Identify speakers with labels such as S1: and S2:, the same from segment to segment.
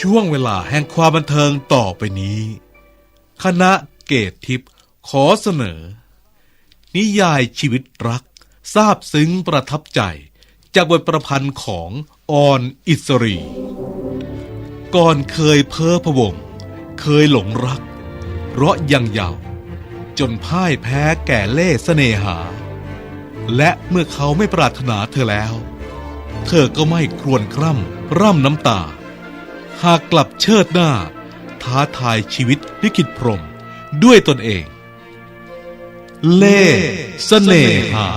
S1: ช่วงเวลาแห่งความบันเทิงต่อไปนี้คณะเกตทิพย์ขอเสนอนิยายชีวิตรักซาบซึ้งประทับใจจากบทประพันธ์ของออนอิสรีก่อนเคยเพ้อพะวงเคยหลงรักเพราะยังเยาว์จนพ่ายแพ้แก่เล่ห์เสน่หาและเมื่อเขาไม่ปรารถนาเธอแล้วเธอก็ไม่ครวญคร่ำร่ำน้ำตาหากกลับเชิดหน้าท้าทายชีวิตลิขิตพรหมด้วยตนเองเล่ห์เสน่หา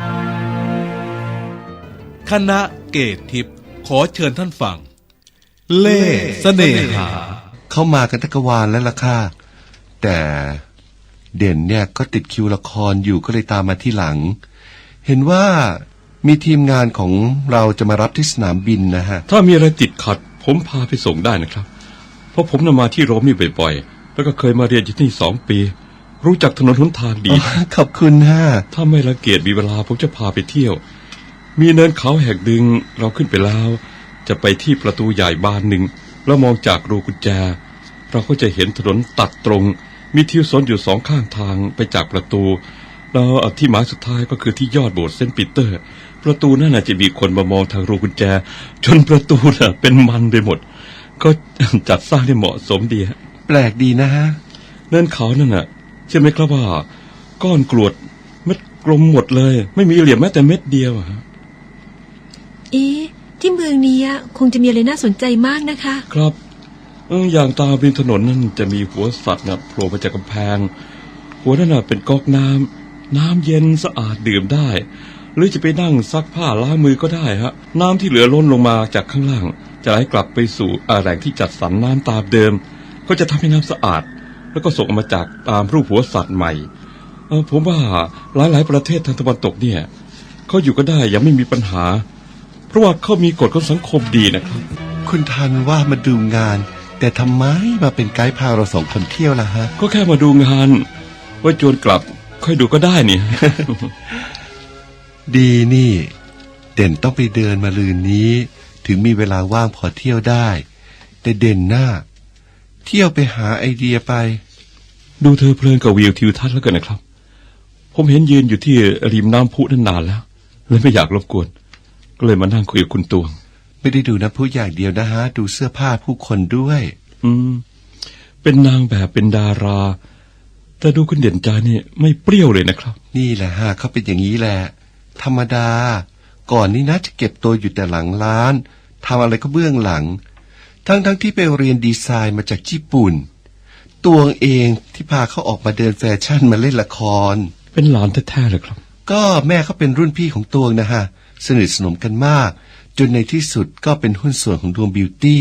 S1: คณะเกตทิพย์ขอเชิญท่านฟังเล่ห์เสน่หา
S2: เข้ามากันทั้งกวาลแล้วล่ะค่ะแต่เด่นเนี่ยก็ติดคิวละครอยู่ก็เลยตามมาที่หลังเห็นว่ามีทีมงานของเราจะมารับที่สนามบินนะฮะ
S3: ถ้ามีอะไรติดขัดผมพาไปส่งได้นะครับเพราะผมนำมาที่โรมนี่บ่อยๆแล้วก็เคยมาเรียนที่นี่2 ปีรู้จักถนนหนทางดี
S2: ขอบคุณฮะ
S3: ถ้าไม่รังเกียจมีเวลาผมจะพาไปเที่ยวมีเนินเขาแหกดึงเราขึ้นไปแล้วจะไปที่ประตูใหญ่บานหนึ่งแล้วมองจากรูกุญแจเราก็จะเห็นถนนตัดตรงมีทิวสนอยู่2 ข้างทางไปจากประตูแล้วที่หมายสุดท้ายก็คือที่ยอดโบสถ์เซนต์ปีเตอร์ประตูนั่นจะมีคนมามองทางรูกุญแจจนประตูเป็นมันไปหมดก็จัดสร้างได้เหมาะสมดี
S2: แปลกดีนะฮะ
S3: เนินเขานั่นน่ะใช่ไหมครับว่าก้อนกรวดเม็ดกลมหมดเลยไม่มีเหลี่ยมแม้แต่เม็ดเดียว
S4: ที่เมืองนี้คงจะมีอะไรน่าสนใจมากนะคะ
S3: ครับอย่างตามริมถนนนั่นจะมีหัวสัตว์โผล่มาจากกำแพงหัวนั่นเป็นก๊อกน้ำเย็นสะอาดดื่มได้หรือจะไปนั่งซักผ้าล้างมือก็ได้ฮะน้ำที่เหลือล้นลงมาจากข้างล่างจะไหลกลับไปสู่แหล่งที่จัดสรรน้ำตามเดิมก็จะทำให้น้ำสะอาดแล้วก็ส่งออกมาจากตามรูปหัวสัตว์ใหม่ผมว่าหลายประเทศทางตะวันตกเนี่ยเขาอยู่ก็ได้ยังไม่มีปัญหาเพราะว่าเขามีกฎของสังคมดีนะครับ
S2: คุณทันว่ามาดูงานแต่ทำไมมาเป็นไกด์พาเรา2 คนเที่ยวล่ะฮะ
S3: ก็แค่มาดูงานว่าจวนกลับค่อยดูก็ได้นี่
S2: ดีนี่เด่นต้องไปเดินมาลืนนี้ถึงมีเวลาว่างพอเที่ยวได้แต่เด่นหน้าเที่ยวไปหาไอเดียไป
S3: ดูเธอเพลินกับวิวทิวทัศน์แล้วกันนะครับผมเห็นยืนอยู่ที่ริมน้ำพุนั่นนานแล้วเลยไม่อยากรบกวนก็เลยมานั่งคุยกับคุณตวง
S2: ไม่ได้ดูน้ำพุอย่างเดียวนะฮะดูเสื้อผ้าผู้คนด้วย
S3: เป็นนางแบบเป็นดาราแต่ดูคุณเด่นใจนี่ไม่เปรี้ยวเลยนะครับ
S2: นี่แหละฮะเขาเป็นอย่างนี้แหละธรรมดาก่อนนี้นะจะเก็บตัวอยู่แต่หลังร้านทำอะไรก็เบื้องหลังทั้งที่ไปเรียนดีไซน์มาจากญี่ปุ่นตัวเองที่พาเขาออกมาเดินแฟชั่นมาเล่นละคร
S3: เป็นหลานแท้ๆเลยครับ
S2: ก็แม่เขาเป็นรุ่นพี่ของตัวนะฮะสนิทสนมกันมากจนในที่สุดก็เป็นหุ้นส่วนของดวงบิวตี้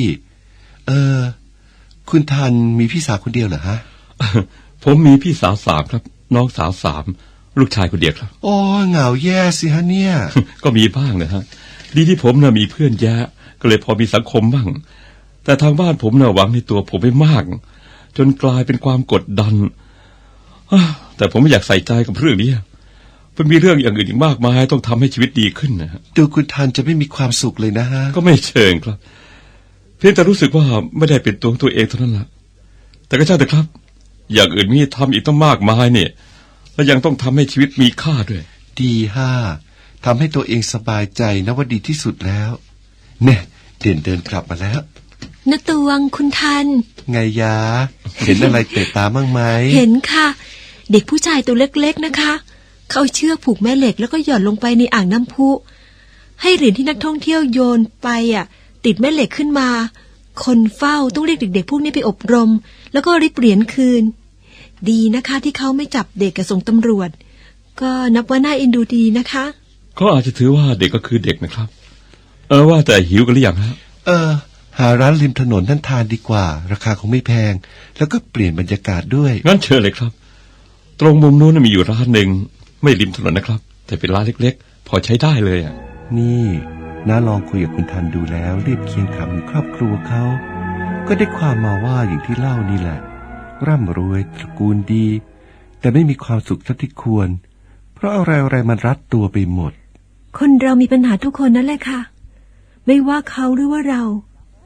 S2: คุณทันมีพี่สาวคนเดียวเหรอฮะ
S3: ผมมีพี่สาว3ครับน้องสาว3ลูกชายคนเดียวครับ
S2: โอ้เหงาแย่สิฮะเนี่ย
S3: ก็มีบ้างนะฮะดีที่ผมมีเพื่อนแยะก็เลยพอมีสังคมบ้างแต่ทางบ้านผมหวังในตัวผมไม่มากจนกลายเป็นความกดดันแต่ผมไม่อยากใส่ใจกับเรื่องนี้มันมีเรื่องอย่างอื่นอีกมากมายต้องทำให้ชีวิตดีขึ้นนะ
S2: ดูคุณทันจะไม่มีความสุขเลยนะฮะ
S3: ก็ไม่เชิงครับเพียงแต่รู้สึกว่าไม่ได้เป็นตัวเองเท่านั้นแหละแต่ก็ช่างเถอะครับอย่างอื่นมีทำอีกต้องมากมายเนี่ยและยังต้องทำให้ชีวิตมีค่าด้วย
S2: ดีทำให้ตัวเองสบายใจนะว่าดีที่สุดแล้วเนี่ยเดินกลับมาแล้ว
S4: ณตวงคุณทัน
S2: ไงยะเห็นอะไรเตะตาบ้างไหม
S4: เห็นค่ะเด็กผู้ชายตัวเล็กๆนะคะเขาเชือกผูกแม่เหล็กแล้วก็หย่อนลงไปในอ่างน้ำพุให้เหรียญที่นักท่องเที่ยวโยนไปติดแม่เหล็กขึ้นมาคนเฝ้าต้องเรียกเด็กๆพวกนี้ไปอบรมแล้วก็ริบเหรียญคืนดีนะคะที่เขาไม่จับเด็กกับส่งตำรวจก็นับว่าน่าเอ็นดูดีนะคะ
S3: เขาอาจจะถือว่าเด็กก็คือเด็กนะครับว่าแต่หิวกันหรือยังฮะ
S2: หาร้านริมถนนนั่นทานดีกว่าราคาคงไม่แพงแล้วก็เปลี่ยนบรรยากาศด้วย
S3: งั้นเชิญเลยครับตรงมุมนู้นมีอยู่ร้านหนึ่งไม่ริมถนนนะครับแต่เป็นร้านเล็กๆพอใช้ได้เลย
S2: นี่น้าลองคุยกับคุณทันดูแล้วเรียบเคียงคำครอบครัวเขาก็ได้ความมาว่าอย่างที่เล่านี่แหละร่ำรวยตระกูลดีแต่ไม่มีความสุขเท่าที่ควรเพราะอะไรมันรัดตัวไปหมด
S4: คนเรามีปัญหาทุกคนนั่นแหละค่ะไม่ว่าเขาหรือว่าเรา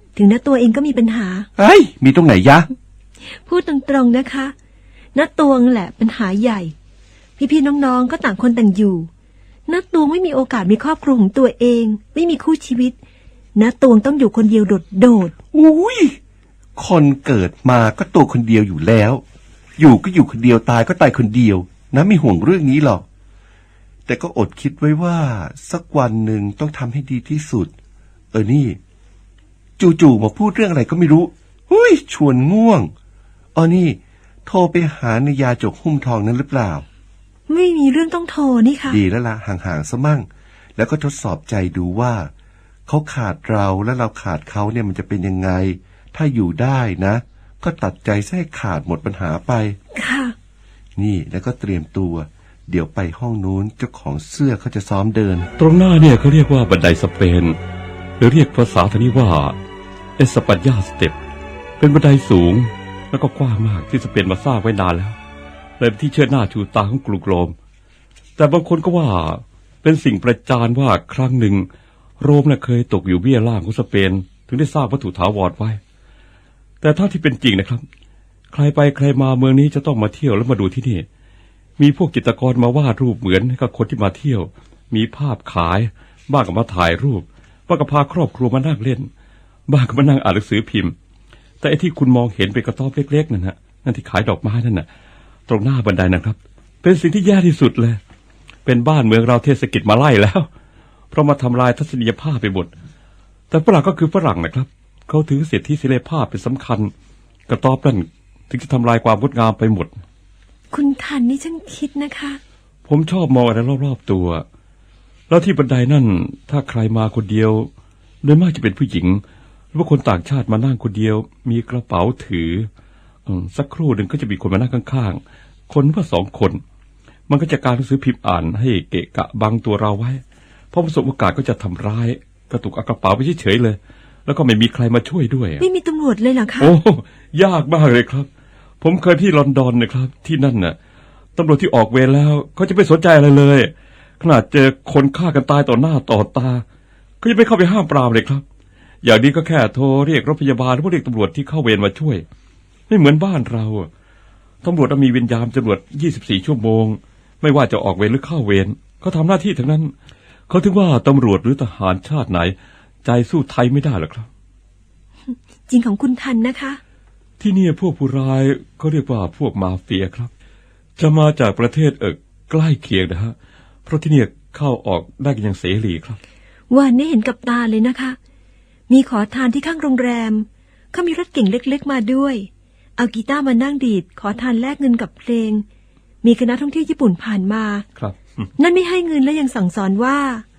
S4: ถึงน้าตัวเองก็มีปัญหา
S2: เฮ้ย มีตรงไหนยะ
S4: พูดตรงๆนะคะน้าตวงแหละปัญหาใหญ่พี่ๆน้องๆก็ต่างคนต่างอยู่น้าตวงไม่มีโอกาสมีครอบครัวของตัวเองไม่มีคู่ชีวิตน้าตวงต้องอยู่คนเดียวโดด
S2: อุ้ยคนเกิดมาก็ตัวคนเดียวอยู่แล้ว อยู่ก็อยู่คนเดียวตายก็ตายคนเดียวนะไม่ห่วงเรื่องนี้หรอกแต่ก็อดคิดไว้ว่าสักวันหนึ่งต้องทำให้ดีที่สุดนี่จู่ๆมาพูดเรื่องอะไรก็ไม่รู้หุ้ยชวนง่วงนี่โทรไปหานายาจกหุ้มทองนั้นหรือเปล่า
S4: ๆไม่มีเรื่องต้องโทรนี่ค่ะ
S2: ดีแล้วล่ะห่างๆซะมั่งแล้วก็ทดสอบใจดูว่าเขาขาดเราและเราขาดเขาเนี่ยมันจะเป็นยังไงถ้าอยู่ได้นะก็ตัดใจซะให้ขาดหมดปัญหาไป
S4: ค่ะ
S2: นี่แล้วก็เตรียมตัวเดี๋ยวไปห้องนู้นเจ้าของเสื้อเขาจะซ้อมเดิน
S3: ตรงหน้าเนี่ยเขาเรียกว่าบันไดสเปนหรือเรียกภาษาทางนี้ว่าเอสปัญญาสเต็ปเป็นบันไดสูงแล้วก็กว้างมากที่สเปนมาสร้างไว้นานแล้วเลยเป็นที่เชิดหน้าชูตาของกรุงโรมแต่บางคนก็ว่าเป็นสิ่งประจานว่าครั้งหนึ่งโรมน่ะเคยตกอยู่เบี้ยล่างของสเปนถึงได้สร้างวัตถุถาวรไว้แต่ถ้าที่เป็นจริงนะครับใครไปใครมาเมืองนี้จะต้องมาเที่ยวแล้วมาดูที่นี่มีพวกจิตรกรมาวาดรูปเหมือนกับคนที่มาเที่ยวมีภาพขายบ้างก็มาถ่ายรูปบ้างก็พาครอบครัวมานั่งเล่นบ้างก็มานั่งอ่านหนังสือพิมพ์แต่ไอ้ที่คุณมองเห็นเป็นกระต๊อบเล็กๆนั่นที่ขายดอกไม้นั่นน่ะตรงหน้าบันไดนะครับเป็นสิ่งที่แย่ที่สุดเลยเป็นบ้านเมืองเราเทศกิจมาไล่แล้วเพราะมาทำลายทัศนียภาพไปหมดแต่ฝรั่งก็คือฝรั่งนะครับเขาถือสิทธิเสรีภาพเป็นสำคัญกระต๊อบนั่นถึงจะทำลายความงดงามไปหมด
S4: คุณทันนี่ช่างคิดนะคะ
S3: ผมชอบมองอะไรรอบๆตัวแล้วที่บันไดนั่นถ้าใครมาคนเดียวโดยมากจะเป็นผู้หญิงหรือว่าคนต่างชาติมานั่งคนเดียวมีกระเป๋าถือสักครู่หนึ่งก็จะมีคนมานั่งข้างๆคนว่า2 คนมันก็จะการหนังสือพิมพ์อ่านให้เกะกะบังตัวเราไว้พอประสบโอกาสก็จะทำร้ายกระตุกเอากระเป๋าไปเฉยๆเลยแล้วก็ไม่มีใครมาช่วยด้วย
S4: ไม่มีตำรวจเลยเหรอคะ
S3: โอ้ยากมากเลยครับผมเคยที่ลอนดอนนะครับที่นั่นน่ะตำรวจที่ออกเวรแล้วเขาจะไม่สนใจอะไรเลยขนาดเจอคนฆ่ากันตายต่อหน้าต่อตาก็ยังไม่เข้าไปห้ามปรามเลยครับอย่างนี้ก็แค่โทรเรียกรถพยาบาลหรือว่าเรียกตำรวจที่เข้าเวรมาช่วยไม่เหมือนบ้านเราตำรวจมีเวรยามตำรวจ24 ชั่วโมงไม่ว่าจะออกเวรหรือเข้าเวรเขาทำหน้าที่ทั้งนั้นเขาถึงว่าตำรวจหรือทหารชาติไหนใจสู้ไทยไม่ได้หรอกครับ
S4: จริงของคุณทันนะคะ
S3: ที่นี่พวกผู้ร้ายเขาเรียกว่าพวกมาเฟียครับจะมาจากประเทศใกล้เคียงนะฮะเพราะที่นี่เข้าออกได้กันอย่างเสรีครับ
S4: วันนี้เห็นกับตาเลยนะคะมีขอทานที่ข้างโรงแรมเขามีรถเก่งเล็กๆมาด้วยเอากีตาร์มานั่งดีดขอทานแลกเงินกับเพลงมีคณะท่องเที่ยวญี่ปุ่นผ่านมา
S3: ครับ
S4: นั่นไม่ให้เงินและยังสั่งสอนว่า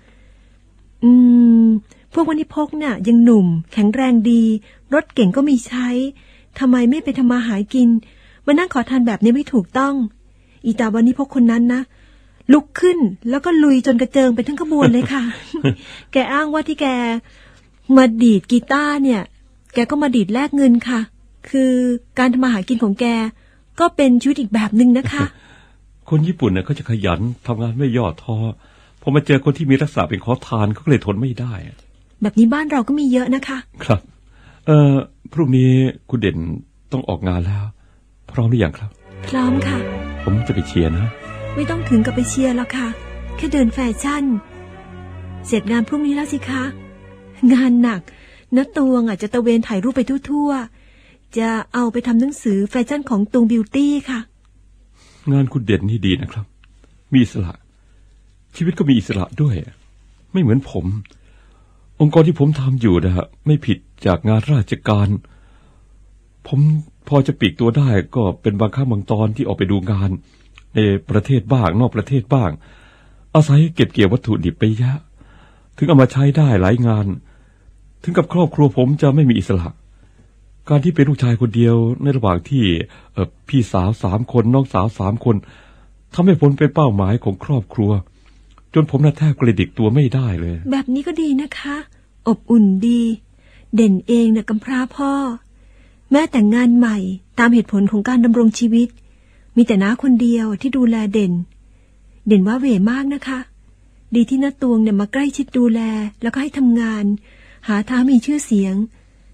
S4: พวกวันิพกเนี่ยยังหนุ่มแข็งแรงดีรถเก่งก็มีใช้ทำไมไม่ไปทำมาหากินมานั่งขอทานแบบนี้ไม่ถูกต้องอีตาวันิพกคนนั้นนะลุกขึ้นแล้วก็ลุยจนกระเจิงไปทั้งขบวนเลยค่ะ แกอ้างว่าที่แกมาดีดกีตาร์เนี่ยแกก็มาดีดแลกเงินค่ะคือการทำมาหากินของแกก็เป็นชีวิตอีกแบบนึงนะคะ
S3: คนญี่ปุ่นเนี่ยเขาจะขยันทำงานไม่ย่อท้อพอมาเจอคนที่มีลักษณะเป็นขอทานเขาก็เลยทนไม่ได้
S4: แบบนี้บ้านเราก็มีเยอะนะคะ
S3: ครับพรุ่งนี้คุณเด่นต้องออกงานแล้วพร้อมหรือยังครับ
S4: พร้อมค่ะ
S3: ผมจะไปเชียร์นะ
S4: ไม่ต้องถึงกับไปเชียร์หรอกค่ะแค่เดินแฟชั่นเสร็จงานพรุ่งนี้แล้วสิคะงานหนักน้าตวงจะตะเวนถ่ายรูปไปทั่วๆจะเอาไปทำหนังสือแฟชั่นของตวงบิวตี้ค่ะ
S3: งานคุณเด่นนี่ดีนะครับมีอิสระชีวิตก็มีอิสระด้วยไม่เหมือนผมองค์กรที่ผมทำอยู่นะฮะไม่ผิดจากงานราชการผมพอจะปลีกตัวได้ก็เป็นบางครั้งบางตอนที่ออกไปดูงานในประเทศบ้างนอกประเทศบ้างอาศัยเก็บเกี่ยววัตถุดิบไปเยอะถึงเอามาใช้ได้หลายงานถึงกับครอบครัวผมจะไม่มีอิสระการที่เป็นลูกชายคนเดียวในระหว่างที่พี่สาว3 คนน้องสาว3 คนทำให้ผมเป็นเป้าหมายของครอบครัวจนผมน่ะแทบกระดิกตัวไม่ได้เลย
S4: แบบนี้ก็ดีนะคะอบอุ่นดีเด่นเองน่ะกำพร้าพ่อแม่แต่งงานใหม่ตามเหตุผลของการดำรงชีวิตมีแต่น้าคนเดียวที่ดูแลเด่นว่าเหวมากนะคะดีที่น้าตวงเนี่ยมาใกล้ชิดดูแลแล้วก็ให้ทำงานหาทางมีชื่อเสียง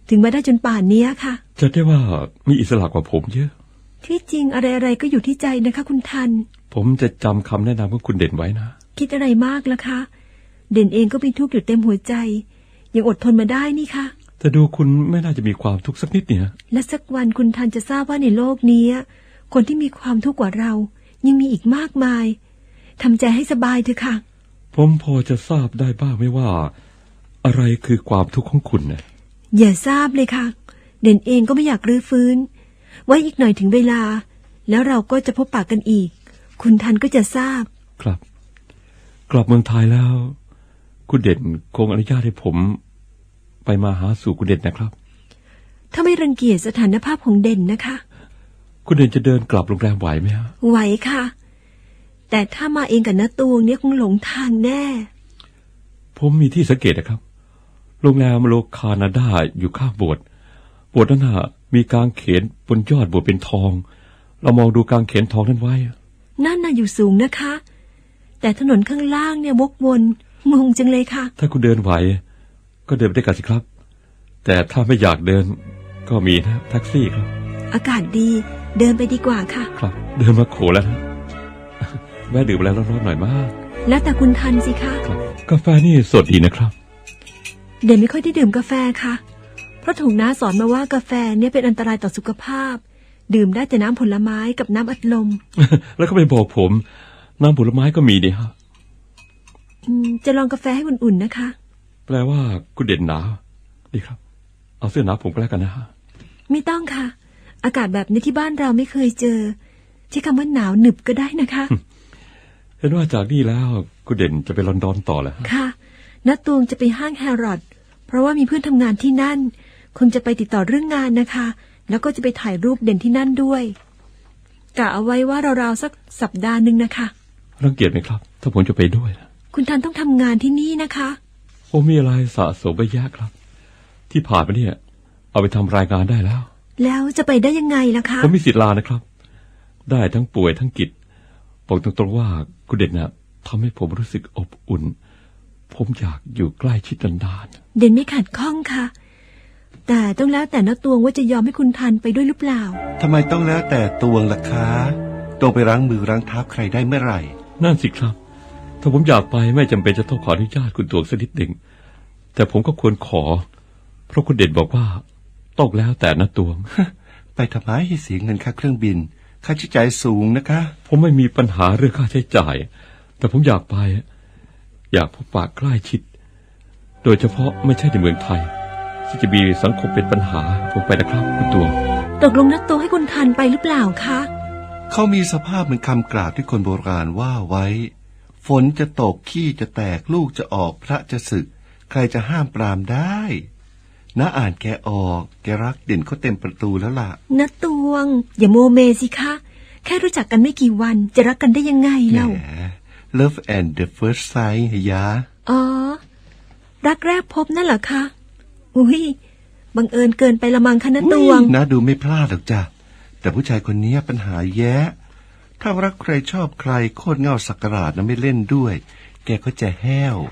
S4: ถึงมาได้จนป่านนี้ค่ะ
S3: จะได้ว่ามีอิสระกว่าผมเยอะ
S4: ที่จริงอะไรๆก็อยู่ที่ใจนะคะ คุณทัน
S3: ผมจะจำคำแนะนำของคุณเด่นไว้นะ
S4: คิดอะไรมากล่ะคะ เด่นเองก็มีทุกข์อยู่เต็มหัวใจ ยังอดทนมาได้นี่ค่ะ
S3: แต่ดูคุณไม่น่าจะมีความทุกข์สักนิดเนี่ย
S4: และสักวันคุณทันจะทราบว่าในโลกนี้คนที่มีความทุกข์กว่าเรา ยังมีอีกมากมายทำใจให้สบายเถอะค่ะ
S3: ผมพอจะทราบได้บ้างไหมว่า อะไรคือความทุกข์ของคุณนะ
S4: อย่าทราบเลยค่ะ เด่นเองก็ไม่อยากรื้อฟื้น ไว้อีกหน่อยถึงเวลา แล้วเราก็จะพบปะกันอีก คุณทันก็จะทราบ
S3: ครับ กลับเมืองไทยแล้ว คุณเด่นคงอนุญาตให้ผมไปมาหาสู่คุณเด่นนะครับ
S4: ถ้าไม่รังเกียจสถานภาพของเด่นนะคะ
S3: คุณเด่นจะเดินกลับโรงแรมไหวไหมฮะ
S4: ไหวค่ะ แต่ถ้ามาเองกับน้าตวงเนี่ยคงหลงทางแน่
S3: ผมมีที่สังเกตนะครับ โรงแรมโลคานาดาอยู่ข้างโบสถ์นั้นน่ะมีกางเขนบนยอดโบสถ์เป็นทอง เรามองดูกางเขนทองนั้นไว้
S4: นั่นน่ะอยู่สูงนะคะ แต่ถนนข้างล่างเนี่ยวกวนงงจังเลยค่ะ
S3: ถ้าคุณเดินไหวก็เดินไปด้วยกันสิครับ แต่ถ้าไม่อยากเดินก็มีนะแท็กซี่ครับ
S4: อากาศดีเดินไปดีกว่าค่ะ
S3: ครับ เดินมาโขแล้วนะ แวะดื่มอะไรร้อนๆหน่อยมาก
S4: แล้วแต่คุณทันสิคะ
S3: ครับกาแฟนี่สดดีนะครับ
S4: เด่นไม่ค่อยได้ดื่มกาแฟค่ะ เพราะถูกน้าสอนมาว่ากาแฟเนี่ยเป็นอันตรายต่อสุขภาพ ดื่มได้แต่น้ำผลไม้กับน้ำอัดลม
S3: แล้วก็ไปบอกผมน้ำผลไม้ก็มีดีฮะ
S4: จะลองกาแฟให้อุ่นๆนะคะ
S3: แปลว่าคุณเด่นหนาวดีครับ เอาเสื้อหนาวผมก็แล้วกันนะฮะ
S4: ไม่ต้องค่ะ อากาศแบบนี้ที่บ้านเราไม่เคยเจอใช้คำว่าหนาวหนึบก็ได้นะคะ
S3: เห็นว่าจากนี่แล้วคุณเด่นจะไปลอนดอนต่อแล้ว
S4: ค่ะน้าตวงจะไปห้างแฮร์รอดเพราะว่ามีเพื่อนทำงานที่นั่นคงจะไปติดต่อเรื่องงานนะคะ แล้วก็จะไปถ่ายรูปเด่นที่นั่นด้วยกะเอาไว้ว่าราวๆสักสัปดาห์หนึ่งนะคะ
S3: รังเกียจไหมครับ ถ้าผมจะไปด้วยนะ
S4: คุณทันต้องทำงานที่นี่นะคะ
S3: ผมมีอะไรสะสมไปเยอะครับ ที่ผ่านมาเนี่ยเอาไปทำรายงานได้แล้ว
S4: แล้วจะไปได้ยังไงล่ะคะ
S3: ผมมีสิทธิ์ลานะครับ ได้ทั้งป่วยทั้งกิจบอกตรงๆว่าคุณเด่นนะทำให้ผมรู้สึกอบอุ่น ผมอยากอยู่ใกล้ชิดนาน
S4: เด่นไม่ขัดข้องค่ะ แต่ต้องแล้วแต่น้าตวงว่าจะยอมให้คุณทันไปด้วยหรือเปล่า
S2: ทำไมต้องแล้วแต่ตวงล่ะคะตวงไปรั้งมือรั้งเท้าใครได้เมื่อไหร่
S3: ๆนั่นสิครับ ถ้าผมอยากไปไม่จำเป็นจะต้องขออนุญาตคุณตวงสักนิดหนึ่งแต่ผมก็ควรขอ เพราะคุณเด่นบอกว่าต้องแล้วแต่นะตวง
S2: ไปทำไมให้เสียเงินค่าเครื่องบิน ค่าใช้จ่ายสูงนะคะ
S3: ผมไม่มีปัญหาเรื่องค่าใช้จ่าย แต่ผมอยากไป อยากพบปะใกล้ชิด โดยเฉพาะไม่ใช่ในเมืองไทย ที่จะมีสังคมเป็นปัญหาผมไปนะครับคุณตวง
S4: ตกลงน้าตวงให้คุณทันไปหรือเปล่าคะ
S2: เขามีสภาพเหมือนคำกล่าวที่คนโบราณว่าไว้ ฝนจะตกขี้จะแตกลูกจะออกพระจะสึก ใครจะห้ามปรามได้น้าอ่านแกออกแกรักเด่นเขาเต็มประตูแล้วล่ะ
S4: น้าตวง อย่าโมเมสิคะแค่รู้จักกันไม่กี่วันจะรักกันได้ยังไง
S2: แหม
S4: เล่า
S2: Love and the first sight ฮะยะ
S4: อ๋อรักแรกพบนั่นเหรอคะอุ้ยบังเอิญเกินไปละมังคะน้าตวง
S2: นะดูไม่พลาดหรอกจ้ะแต่ผู้ชายคนนี้ปัญหาแย่ถ้ารักใครชอบใครโคตรเง่าสักการาดนะไม่เล่นด้วย แกก็จะแห้ว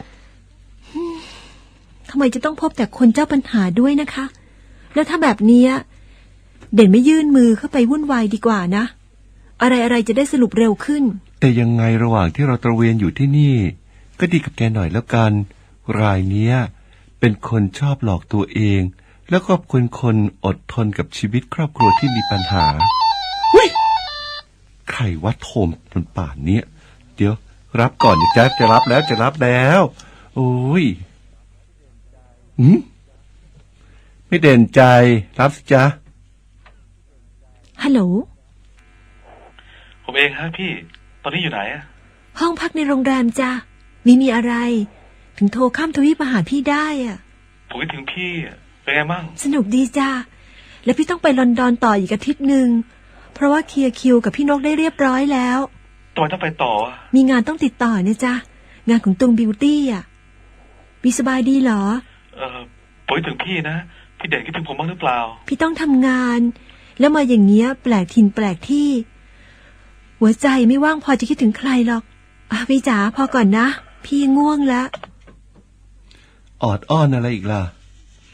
S4: ทำไมจะต้องพบแต่คนเจ้าปัญหาด้วยนะคะ แล้วถ้าแบบนี้เด่นไม่ยื่นมือเข้าไปวุ่นวายดีกว่านะ อะไรๆจะได้สรุปเร็วขึ้น
S2: แต่ยังไงระหว่างที่เราตระเวนอยู่ที่นี่ ก็ดีกับแกหน่อยแล้วกัน รายเนี้ยเป็นคนชอบหลอกตัวเอง แล้วก็เป็นคนอดทนกับชีวิตครอบครัวที่มีปัญหาใครวัดโทมจนป่านเนี้ยเดี๋ยวรับก่อนดิจ๊ะจะรับแล้วโอ้ยไม่เด่นใจรับสิจ๊ะ
S4: ฮัลโหล
S5: ผมเองฮะพี่ ตอนนี้อยู่ไหนอะ
S4: ห้องพักในโรงแรมจ้ะมีอะไร ถึงโทรข้ามทวีปมาหาพี่ได้อะ
S5: ผมคิดถึงพี่อะเป็นไงมั่ง
S4: สนุกดีจ้ะแล้วพี่ต้องไปลอนดอนต่ออีกอาทิตย์หนึ่งเพราะว่าเคลียร์คิวกับพี่นกได้เรียบร้อยแล้ว
S5: ทำไมต้องไปต่ออะ
S4: มีงานต้องติดต่อเนี่ยจ้ะงานของตุงบิวตี้อ่ะพี่สบายดีเหรอ
S5: ผมคิดถึงพี่นะ พี่เด่นคิดถึงผมบ้างหรือเปล่า
S4: พี่ต้องทำงาน แล้วมาอย่างเงี้ยแปลกถิ่นแปลกที่ หัวใจไม่ว่างพอจะคิดถึงใครหรอกพี่จ๋าพอก่อนนะพี่ง่วงแล้ว
S2: ออดอ้อนอะไรอีกล่ะ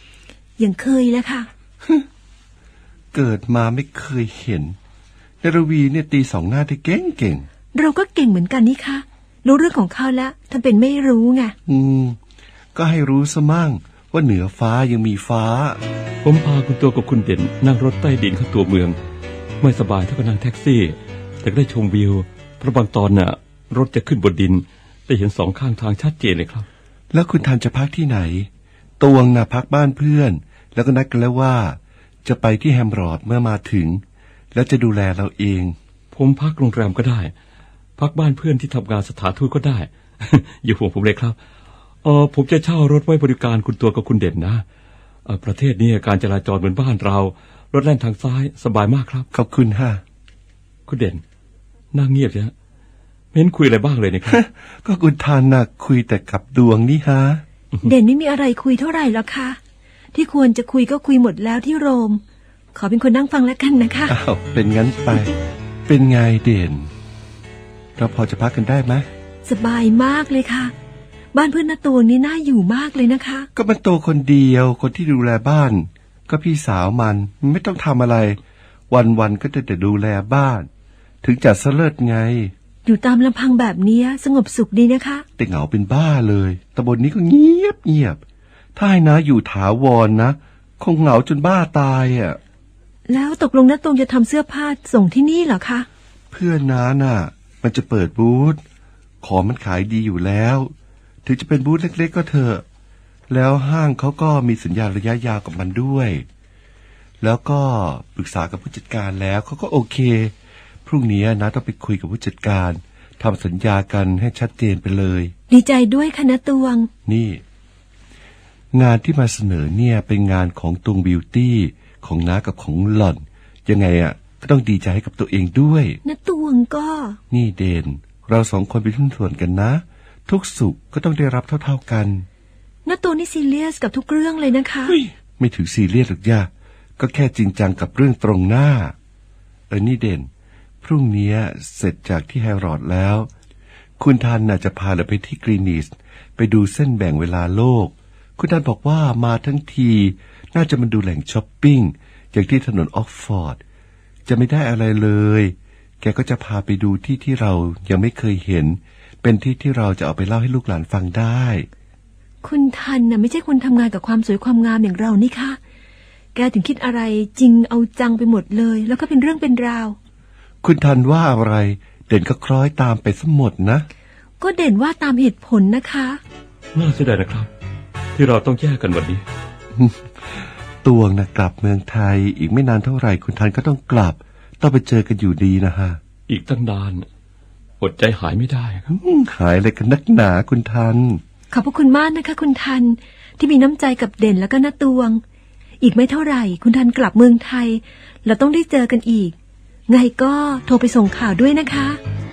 S4: อย่างเคยแล้วค่ะ
S2: เกิดมาไม่เคยเห็นนรวีเนี่ยตีสองหน้าได้เก่ง
S4: เราก็เก่งเหมือนกันนี่คะรู้เรื่องของเขาแล้วทำเป็นไม่รู้ไง
S2: ก็ให้รู้ซะมั่งว่าเหนือฟ้ายังมีฟ้า
S3: ผมพาคุณตัวกับคุณเด่นนั่งรถใต้ดินเข้าตัวเมืองไม่สบายเท่ากับนั่งแท็กซี่ แต่ก็ได้ชมวิวเพราะบางตอนน่ะรถจะขึ้นบนดินได้เห็นสองข้างทางชัดเจนเลยครับ
S2: แล้วคุณทันจะพักที่ไหนตวงน่ะพักบ้านเพื่อน แล้วก็นัดกันแล้วว่าจะไปที่แฮมรอดเมื่อมาถึง แล้วจะดูแลเราเอง
S3: ผมพักโรงแรมก็ได้ พักบ้านเพื่อนที่ทำงานสถานทูตก็ได้ อย่าห่วงผมเลยครับผมจะเช่ารถไว้บริการคุณตัวกับคุณเด่นนะประเทศนี้การจราจรเหมือนบ้านเรารถแล่นทางซ้ายสบายมากครับ
S2: ขอบคุณฮะ
S3: คุณเด่นนั่งเงียบใช่ไหมไม่เห็นคุยอะไรบ้างเลยนะครับ
S2: ก็คุณทันน่ะคุยแต่กับดวงนี่ฮะ
S4: เด่นไม่มีอะไรคุยเท่าไหร่หรอกค่ะที่ควรจะคุยก็คุยหมดแล้วที่โรม ขอเป็นคนนั่งฟังแล้วกันนะคะ
S2: อ้าวเป็นงั้นไป เป็นไงเด่น เราพอจะพักกันได้ไหม
S4: สบายมากเลยค่ะ บ้านเพื่อนน้าตวงนี่น่าอยู่มากเลยนะคะ
S2: ก็มันโตคนเดียวคนที่ดูแลบ้าน ก็พี่สาวมันไม่ต้องทำอะไร วันๆก็แต่ดูแลบ้าน ถึงจะเสลิดไง
S4: อยู่ตามลำพังแบบเนี้ยสงบสุขดีนะคะ
S2: แต่เหงาเป็นบ้าเลยตำบลนี้ก็เงียบถ้าให้นะอยู่ถาวรนะคงเหงาจนบ้าตายอ่ะ
S4: แล้วตกลงน้าตวงจะทำเสื้อผ้าส่งที่นี่เหรอคะ
S2: เพื่อนน้าน่ะ มันจะเปิดบูธของมันขายดีอยู่แล้ว ถึงจะเป็นบูธเล็กๆก็เถอะแล้วห้างเขาก็มีสัญญาระยะยาวกับมันด้วย แล้วก็ปรึกษากับผู้จัดการแล้วเขาก็โอเคพรุ่งนี้นะต้องไปคุยกับผู้จัดการทำสัญญากันให้ชัดเจนไปเลย
S4: ดีใจด้วยค่ะน้าตวง
S2: นี่ งานที่มาเสนอเนี่ยเป็นงานของตุงบิวตี้ของน้ากับของหล่อนยังไงอ่ะก็ต้องดีใจให้กับตัวเองด้วย
S4: น้าตวงก็
S2: นี่เดนเราสองคนเป็นหุ้นส่วนกันนะ ทุกสุขก็ต้องได้รับเท่าๆกัน
S4: น้าตวงนี่ซีเรียสกับทุกเรื่องเลยนะคะ
S2: ไม่ถือซีเรียสหรอกย่าก็แค่จริงจังกับเรื่องตรงหน้านี่เด่นพรุ่งนี้เสร็จจากที่แฮร์รอดแล้ว คุณทันน่ะจะพาเราไปที่กรีนิชไปดูเส้นแบ่งเวลาโลก คุณทันบอกว่ามาทั้งทีน่าจะมาดูแหล่งช้อปปิ้งอย่างที่ถนนออกฟอร์ดจะไม่ได้อะไรเลยแกก็จะพาไปดูที่เรายังไม่เคยเห็นเป็นที่เราจะเอาไปเล่าให้ลูกหลานฟังได้
S4: คุณทันน่ะไม่ใช่คนทำงานกับความสวยความงามอย่างเรานี่ค่ะแกถึงคิดอะไรจริงเอาจังไปหมดเลยแล้วก็เป็นเรื่องเป็นราว
S2: คุณทันว่าอะไรเด่นก็คล้อยตามไปซะหมดนะ
S4: ก็เด่นว่าตามเหตุผลนะคะ
S3: น่าเสียดายนะครับ ที่เราต้องแยกกันวันนี้
S2: ตวงนะกลับเมืองไทยอีกไม่นานเท่าไหร่คุณทันก็ต้องกลับต้องไปเจอกันอยู่ดีนะฮะ
S3: อีกตั้งนานอดใจหายไม่ได้ครับ
S2: หายอะไรกันนักหนาคุณทัน
S4: ขอบพระคุณมากนะคะคุณทันที่มีน้ำใจกับเด่นแล้วก็น้าตวง อีกไม่เท่าไหร่คุณทันกลับเมืองไทยเราต้องได้เจอกันอีกไงก็โทรไปส่งข่าวด้วยนะคะ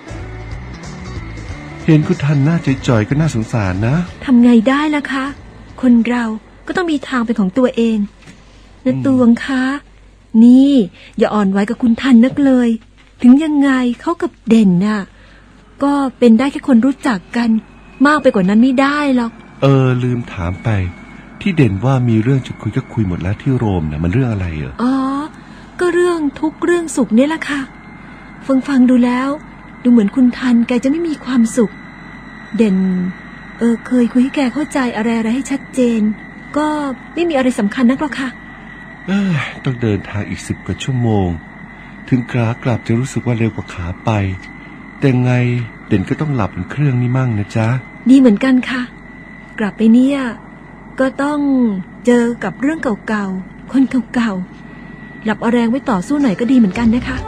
S2: เห็นคุณทันหน้าจ่อยๆก็น่าสงสารนะ
S4: ทำไงได้ล่ะคะคนเราก็ต้องมีทางเป็นของตัวเองน้าตวงคะนี่อย่าอ่อนไหวกับคุณทันนักเลย ถึงยังไงเขากับเด่นน่ะก็เป็นได้แค่คนรู้จักกันมากไปกว่านั้นไม่ได้หรอก
S2: ลืมถามไป ที่เด่นว่ามีเรื่องจะคุยก็คุยหมดแล้วที่โรมนะมันเรื่องอะไรเหรอ
S4: อ๋อก็เรื่องทุกข์เรื่องสุขเนี่ยแหละค่ะฟังดูแล้วดูเหมือนคุณทันแกจะไม่มีความสุขเด่นเคยคุยให้แกเข้าใจอะไรให้ชัดเจนก็ไม่มีอะไรสำคัญนักหรอกค่ะ
S2: ต้องเดินทางอีก10 กว่าชั่วโมงถึงขากลับจะรู้สึกว่าเร็วกว่าขาไปแต่ไงเด่นก็ต้องหลับบนเครื่องนี่มั่งนะจ๊ะ
S4: ดีเหมือนกันค่ะกลับไปเนี่ยก็ต้องเจอกับเรื่องเก่าๆคนเก่าๆหลับเอาแรงไว้ต่อสู้หน่อยก็ดีเหมือนกันนะคะ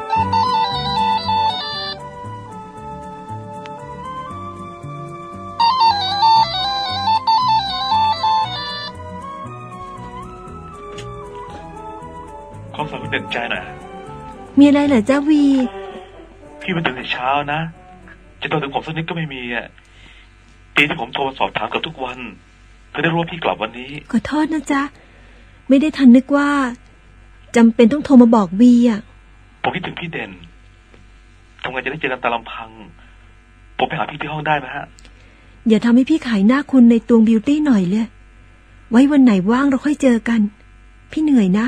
S5: ขอฝากคุณเด่นใจหน่อย
S4: มีอะไรเหรอจ้าวี
S5: พี่มาถึงแต่เช้านะจะโทรถึงผมสักนิดก็ไม่มีอ่ะปีที่ผมโทรสอบถามเกือบทุกวันเธอได้รู้ว่าพี่กลับวันนี้
S4: ขอโทษนะจ๊ะไม่ได้ทันนึกว่าจำเป็นต้องโทรมาบอกวีอ่ะ
S5: ผมคิดถึงพี่เด่นทำไงจะได้เจอกันตามลำพังผมไปหาพี่ที่ห้องได้ไหมฮะ
S4: อย่าทำให้พี่ขายหน้าคุณในตวงบิวตี้หน่อยเลยไว้วันไหนว่างเราค่อยเจอกันพี่เหนื่อยนะ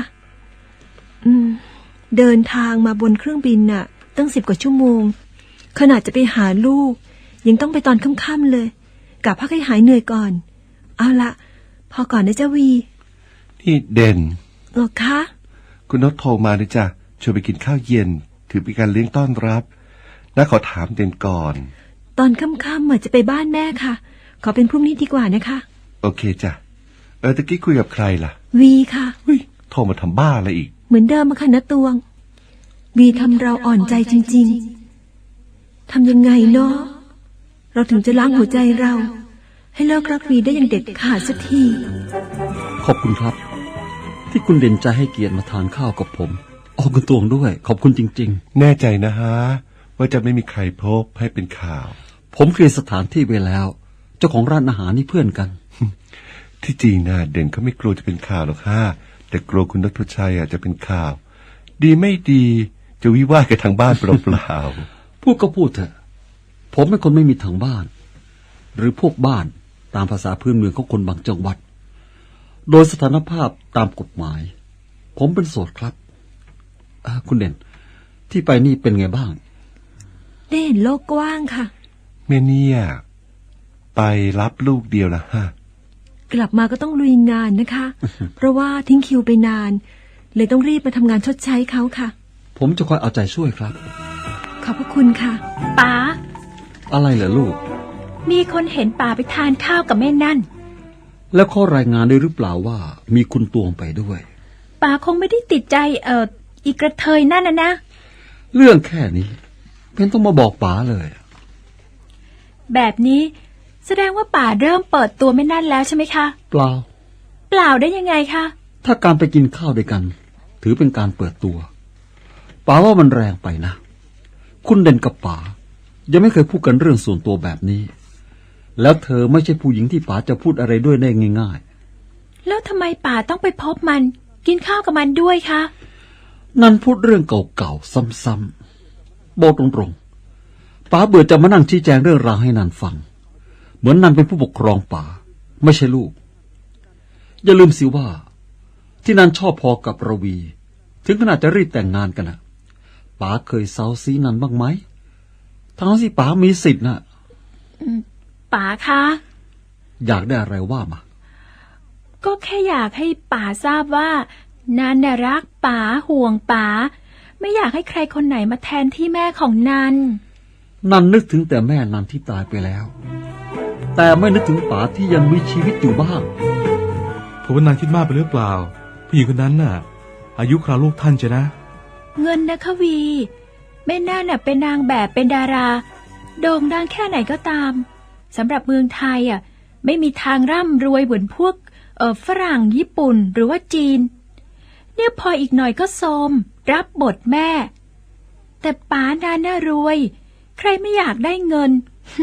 S4: เดินทางมาบนเครื่องบินน่ะ ตั้ง10 กว่าชั่วโมง ขนาดจะไปหาลูกยังต้องไปตอนค่ำๆเลยกะพักให้หายเหนื่อยก่อน เอาละพอก่อนนะจ้าวี
S2: นี่เด่น
S4: เหรอคะ
S2: คุณนชโทรมาเลยจ้ะชวนไปกินข้าวเย็นถือเป็นการเลี้ยงต้อนรับน้าขอถามเด่นก่อน
S4: ตอนค่ำๆจะไปบ้านแม่ค่ะ ขอเป็นพรุ่งนี้ดีกว่านะคะ
S2: โอเคจ้ะตะกี้คุยกับใครล่ะ
S4: วีค่ะ
S2: เฮ้ยโทรมาทำบ้าอะไรอีก
S4: เหมือนเดิมมาค่ะนะตวง วีทำเราอ่อนใจจริงๆทำยังไงเนาะเราถึงจะล้างหัวใจเรา ให้เลิกรักวีได้อย่างเด็ดขาดสักที
S6: ขอบคุณครับ ที่คุณเด่นใจให้เกียรติมาทานข้าวกับผมคุณตวงด้วยขอบคุณจริง
S2: แน่ใจนะฮะว่าจะไม่มีใครพบให้เป็นข่าว
S6: ๆผมเคลียร์สถานที่ไว้แล้ว เจ้าของร้านอาหารนี่เพื่อนกัน
S2: ที่จริงนะเด่นเขาไม่กลัวจะเป็นข่าวหรอกค่ะแต่กลัวคุณนพชัยจะเป็นข่าว ดีไม่ดีจะวิวาทกันทางบ้านเปล่า
S6: พูดก็พูดเถอะผมเป็นคนไม่มีทางบ้าน หรือพวกบ้านตามภาษาพื้นเมืองของคนบางจังหวัด โดยสถานภาพตามกฎหมาย ผมเป็นโสดครับคุณเด่นที่ไปนี่เป็นไงบ้าง
S4: ได้เห็นโลกกว้างค่ะ
S2: ๆแม่เนี่ยไปรับลูกเดียวละฮะ
S4: กลับมาก็ต้องลุยงานนะคะ เพราะว่าทิ้งคิวไปนาน เลยต้องรีบมาทำงานชดใช้เขาค่ะ
S6: ผมจะคอยเอาใจช่วยครับ
S4: ขอบพระคุณค่ะ
S7: ป๋า
S6: อะไรเหรอลูก
S7: มีคนเห็นป๋าไปทานข้าวกับแม่นั่น
S6: แล้วข้อรายงานด้วยหรือเปล่าว่ามีคุณตวงไปด้วย
S7: ป๋าคงไม่ได้ติดใจอีกระเทยนั่นนะ
S6: เรื่องแค่นี้เพ็นต้องมาบอกป๋าเลย
S7: แบบนี้แสดงว่าป๋าเริ่มเปิดตัวแม่นั่นแล้วใช่ไหมคะ
S6: เปล่า
S7: เปล่าได้ยังไงคะ
S6: ถ้าการไปกินข้าวด้วยกัน ถือเป็นการเปิดตัวป๋าว่ามันแรงไปนะ คุณเด่นกับป๋ายังไม่เคยพูดกันเรื่องส่วนตัวแบบนี้ แล้วเธอไม่ใช่ผู้หญิงที่ป๋าจะพูดอะไรด้วยได้ง่าย
S7: แล้วทำไมป๋าต้องไปพบมัน กินข้าวกับมันด้วยคะ
S6: ๆนั่นพูดเรื่องเก่าๆซ้ำๆบอกตรงๆป๋าเบื่อจะมานั่งชี้แจงเรื่องราวให้นันฟัง เหมือนนันเป็นผู้ปกครองป๋าไม่ใช่ลูกอย่าลืมสิว่าที่นันชอบพอกับระวีถึงขนาดจะรีบแต่งงานกันนะป๋าเคยเซาซีนันบ้างไหมทั้งที่ป๋ามีสิทธิ์นะ
S7: ป๋าคะ
S6: อยากได้อะไรว่ามา
S7: ก็แค่อยากให้ป๋าทราบว่านันน่ะรักป๋าห่วงป๋าไม่อยากให้ใครคนไหนมาแทนที่แม่ของนัน
S6: นันนึกถึงแต่แม่นันที่ตายไปแล้ว แต่ไม่นึกถึงป๋าที่ยังมีชีวิตอยู่บ้าง
S1: ผมว่านางคิดมากไปหรือเปล่าผู้หญิงคนนั้นน่ะ อายุคราวลูกท่านใช่นะ
S7: เงินนะคะวีแม่นั่นน่ะเป็นนางแบบเป็นดารา โด่งดังแค่ไหนก็ตามสำหรับเมืองไทยไม่มีทางร่ำรวยเหมือนพวกฝรั่งญี่ปุ่นหรือว่าจีนเนี่ยพออีกหน่อยก็โทรมรับบทแม่ แต่ป๋านันน่ะรวย ใครไม่อยากได้เงิน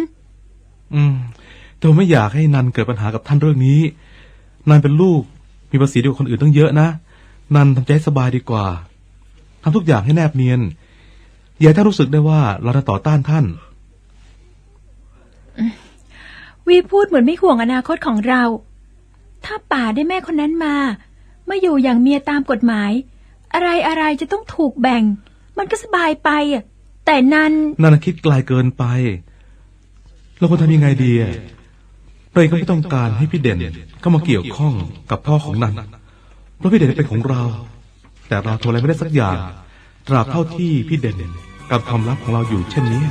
S1: แต่ผมไม่อยากให้นันเกิดปัญหากับท่านเรื่องนี้นันเป็นลูกมีภาษีดีกว่าคนอื่นตั้งเยอะนะนันทำใจให้สบายดีกว่าทำทุกอย่างให้แนบเนียนอย่าให้ท่านรู้สึกได้ว่าเราจะต่อต้านท่าน
S7: วีพูดเหมือนไม่ห่วงอนาคตของเรา ถ้าป๋าได้แม่คนนั้นมาอยู่อย่างเมียตามกฎหมายอะไรจะต้องถูกแบ่ง มันก็สบายไปแต่นัน
S1: คิดไกลเกินไปเราควรทำยังไงดีเราเองก็ไม่ต้องการให้พี่เด่นเข้ามาเกี่ยวข้องกับพ่อของนันเพราะพี่เด่นเป็นของเราแต่เราทำอะไรไม่ได้สักอย่างตราบเท่าที่พี่เด่นกับความลับของเราอยู่เช่นนี้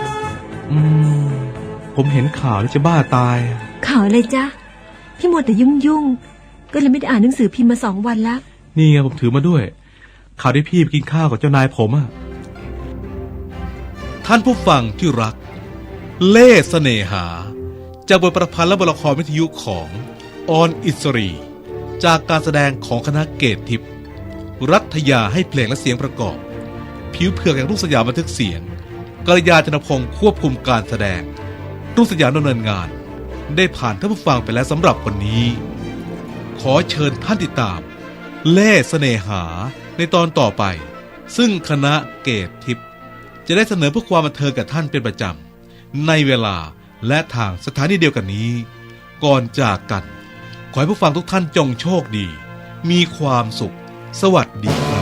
S1: ผมเห็นข่าวแล้วจะบ้าตาย
S4: ข่าวอะไรจ๊ะพี่มัวแต่ยุ่งก็เลยไม่ได้อ่านหนังสือพิมพ์มา2 วันแล้ว
S1: นี่ไงผมถือมาด้วยข่าวที่พี่ไปกินข้าวกับเจ้านายผมท่านผู้ฟังที่รักเล่ห์เสน่หาจากบทประพันธ์และบทละครวิทยุของออนอิสรีจากการแสดงของคณะเกตทิพย์รัฐยาให้เพลงและเสียงประกอบผิวเผือกแห่งรุ่งสยามบันทึกเสียงกัลยาณพงศ์ควบคุมการแสดงรุ่งสยามดำเนินงานได้ผ่านท่านผู้ฟังไปแล้วสำหรับวันนี้ขอเชิญท่านติดตามเล่ห์เสน่หาในตอนต่อไปซึ่งคณะเกตทิพย์จะได้เสนอเพื่อความบันเทิงกับท่านเป็นประจำในเวลาและทางสถานีเดียวกันนี้ก่อนจากกันขอให้ผู้ฟังทุกท่านจงโชคดีมีความสุข สวัสดีครับ